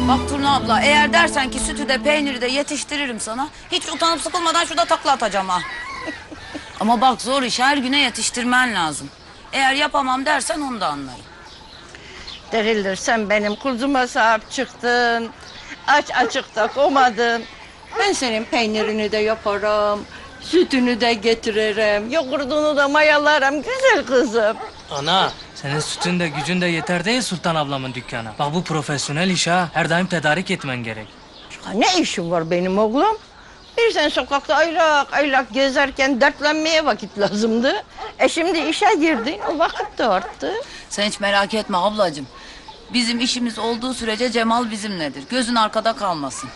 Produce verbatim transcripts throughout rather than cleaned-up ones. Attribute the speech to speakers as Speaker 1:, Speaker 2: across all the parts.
Speaker 1: Bak Turna abla, eğer dersen ki sütü de peyniri de yetiştiririm sana, hiç utanıp sıkılmadan şurada takla atacağım ha. Ama bak zor iş, her güne yetiştirmen lazım. Eğer yapamam dersen onu da anlarım.
Speaker 2: Derilir, sen benim kuzuma sahip çıktın. Aç açıkta komadın. Ben senin peynirini de yaparım. Sütünü de getiririm. Yoğurdunu da mayalarım güzel kızım.
Speaker 3: Ana, senin sütün de gücün de yeter değil Sultan ablamın dükkana. Bak bu profesyonel iş ha. Her daim tedarik etmen gerek.
Speaker 2: Ya ne işim var benim oğlum? Bir sen sokakta aylak aylak gezerken dertlenmeye vakit lazımdı. E şimdi işe girdin, o vakit de arttı.
Speaker 1: Sen hiç merak etme ablacığım. Bizim işimiz olduğu sürece Cemal bizimledir. Gözün arkada kalmasın.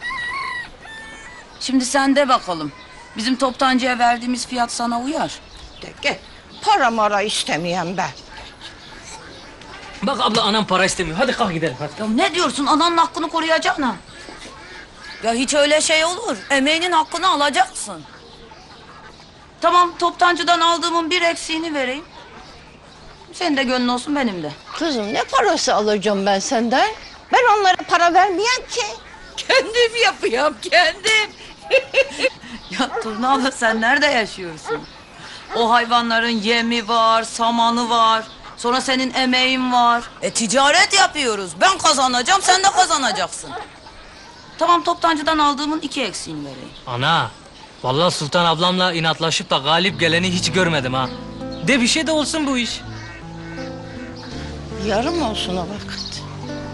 Speaker 1: Şimdi sen de bakalım. Bizim toptancıya verdiğimiz fiyat sana uyar.
Speaker 2: De gel, para mara istemeyen ben.
Speaker 3: Bak abla anam para istemiyor. Hadi kalk gidelim hadi.
Speaker 1: Ya ne diyorsun? Ananın hakkını koruyacaksın ha. Ya hiç öyle şey olur. Emeğinin hakkını alacaksın. Tamam, toptancıdan aldığımın bir eksiğini vereyim. Senin de gönlün olsun, benim de.
Speaker 2: Kızım ne parası alacağım ben senden? Ben onlara para vermeyen ki. Kendim yapıyorum, kendim.
Speaker 1: Ya Turna abla, sen nerede yaşıyorsun? O hayvanların yemi var, samanı var. Sonra senin emeğin var. E ticaret yapıyoruz. Ben kazanacağım, sen de kazanacaksın. Tamam, toptancıdan aldığımın iki eksiğini vereyim.
Speaker 3: Ana, vallahi Sultan ablamla inatlaşıp da galip geleni hiç görmedim ha. De bir şey de olsun bu iş.
Speaker 2: Yarım olsun o vakit.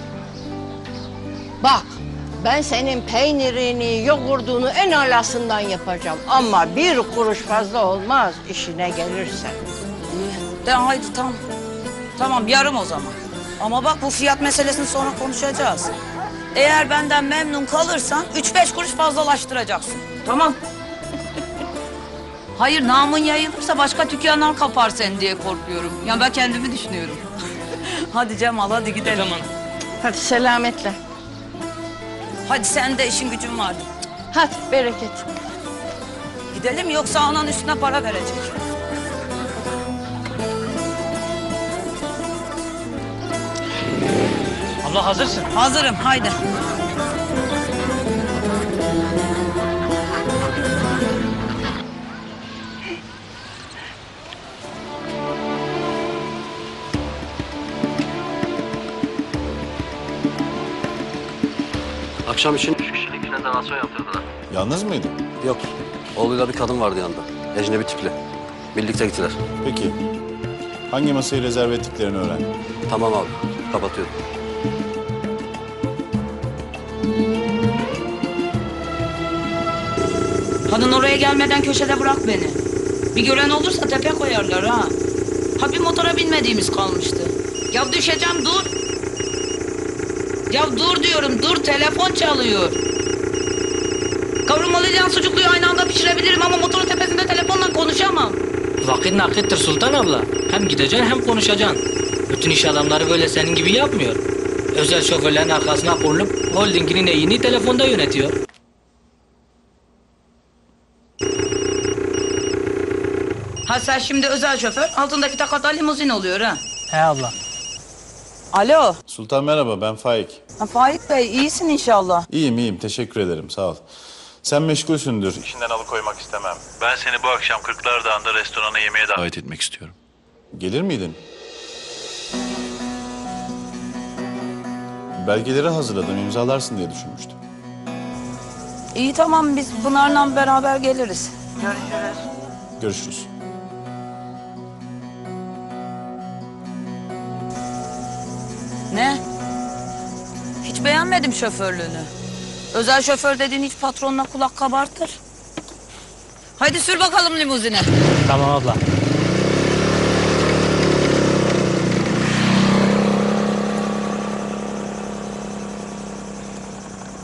Speaker 2: Bak, ben senin peynirini, yoğurdunu en alasından yapacağım. Ama bir kuruş fazla olmaz işine gelirse.
Speaker 1: İyi, de haydi tamam. Tamam, yarım o zaman. Ama bak, bu fiyat meselesini sonra konuşacağız. Eğer benden memnun kalırsan üç beş kuruş fazlalaştıracaksın. Tamam. Hayır, namın yayılırsa başka dükkanlar kapar seni diye korkuyorum. Ya ben kendimi düşünüyorum. Hadi Cemal, hadi gidelim.
Speaker 3: Tamam.
Speaker 2: Hadi selametle.
Speaker 1: Hadi, sen de işin gücün var.
Speaker 2: Hadi bereket.
Speaker 1: Gidelim, yoksa anan üstüne para verecek.
Speaker 3: Abla hazırsın.
Speaker 1: Hazırım, haydi.
Speaker 4: Akşam için üç kişilik rezervasyon yaptırdılar.
Speaker 5: Yalnız mıydın?
Speaker 4: Yok, oğluyla bir kadın vardı yanında. Ecnebi tipli. Birlikte gittiler.
Speaker 5: Peki. Hangi masayı rezerve ettiklerini öğren.
Speaker 4: Tamam abi, kapatıyorum.
Speaker 1: Kadın oraya gelmeden köşede bırak beni. Bir gören olursa tepe koyarlar ha. Ha, bir motora binmediğimiz kalmıştı. Ya düşeceğim, dur. Ya dur diyorum, dur, telefon çalıyor. Kavurmalı sucukluyu aynı anda pişirebilirim ama motorun tepesinde telefonla konuşamam.
Speaker 3: Vakit nakittir Sultan abla. Hem gideceksin hem konuşacaksın. Bütün iş adamları böyle senin gibi yapmıyor. Özel şoförlerin arkasına konulup holdinginin neyini telefonda yönetiyor.
Speaker 1: Ha, sen şimdi özel şoför, altındaki takata limuzin oluyor ha.
Speaker 3: He abla.
Speaker 1: Alo.
Speaker 5: Sultan merhaba, ben Faik.
Speaker 1: Ha, Faik Bey, iyisin inşallah.
Speaker 5: İyiyim iyiyim, teşekkür ederim, sağ ol. Sen meşgulsündür. İşinden alıkoymak istemem.
Speaker 6: Ben seni bu akşam Kırklar Dağı'nda restorana yemeğe davet etmek istiyorum.
Speaker 5: Gelir miydin? Belgeleri hazırladım, imzalarsın diye düşünmüştüm.
Speaker 1: İyi, tamam, biz Pınar'la beraber geliriz. Görüşürüz.
Speaker 5: Görüşürüz.
Speaker 1: Ne? Hiç beğenmedim şoförlüğünü. Özel şoför dediğin hiç patronuna kulak kabartır. Haydi sür bakalım limuzine.
Speaker 3: Tamam abla.